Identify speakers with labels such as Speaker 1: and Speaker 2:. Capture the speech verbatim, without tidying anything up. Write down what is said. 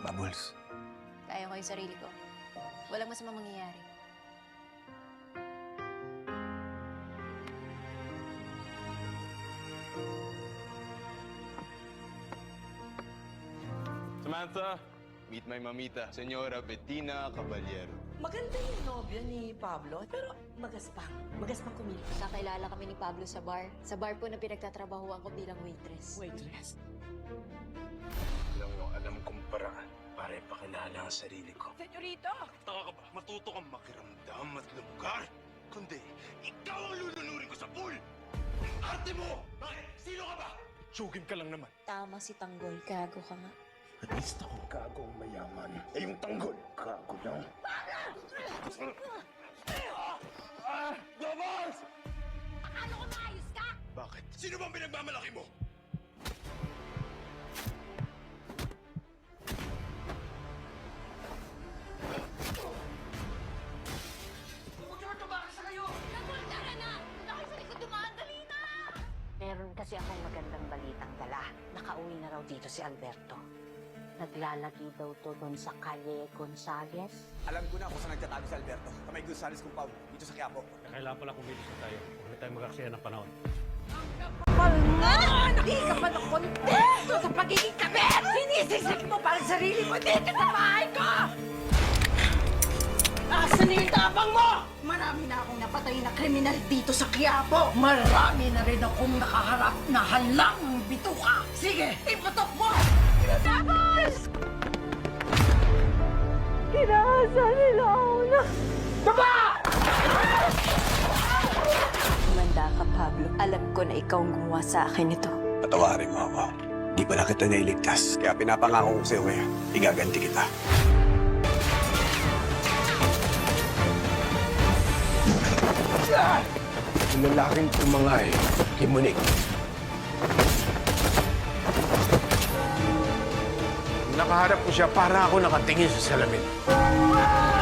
Speaker 1: Bubbles.
Speaker 2: Kaya ko yung sarili ko. Walang masama mangyayari.
Speaker 3: Samantha, meet my mamita, Senyora Bettina Caballero.
Speaker 4: Maganda yung nobyo ni Pablo, pero magaspang. Magaspang kumilos.
Speaker 2: Kakilala kami ni Pablo sa bar. Sa bar po na pinagtatrabahuan ko bilang waitress.
Speaker 4: Waitress.
Speaker 1: Alam mo, alam kong paraan para ipakilala ang sarili ko.
Speaker 4: Senyorito!
Speaker 3: Taka ka ba? Matuto kang makiramdam at lugar. Kundi, ikaw ang lulunurin ko sa pool! Ang arte mo! Bakit? Sino ka ba? Sugin ka lang naman.
Speaker 2: Tama si Tanggol. Gago ka nga.
Speaker 1: At least ako gagong mayaman. Eh yung tanggol, gago lang. Ah! Bubbles!
Speaker 2: Akala ko maayos ka?
Speaker 3: Bakit? Sino bang pinagmamalaki mo?
Speaker 2: Tara na! Nakay sa likod dumaan, dali na!
Speaker 5: Meron kasi akong magandang balitang dala. Nakauwi na raw dito si Alberto. Naglalagi daw to doon sa Calle Gonzales.
Speaker 6: Alam ko na kung saan nagtatago si Alberto. Kamay Gonzales compound, dito sa Quiapo.
Speaker 7: Kailangan pala kumilos na tayo. Huwag na tayo mag-aksaya ng panahon.
Speaker 5: Hindi ka ba ng kontento sa pagiging kabit? Sinisisik mo parang sarili mo dito sa bahay ko! Asan na yung tapang mo? Marami na akong napatay na kriminal dito sa Quiapo. Marami na rin akong nakaharap na halang bituka. Sige, iputok mo! Tapos! Kinahasa nila ako na... Baba!
Speaker 2: Kumanda ka, Pablo. Alam ko na ikaw ang gumawa sa akin ito.
Speaker 1: Patawarin mo ako. Di pala kita nailigtas. Kaya pinapangako ko sa'yo ngayon, igaganti kita. Yung lalaking tumangay, kay Monique. Nakaharap ko siya para ako nakatingin sa salamin.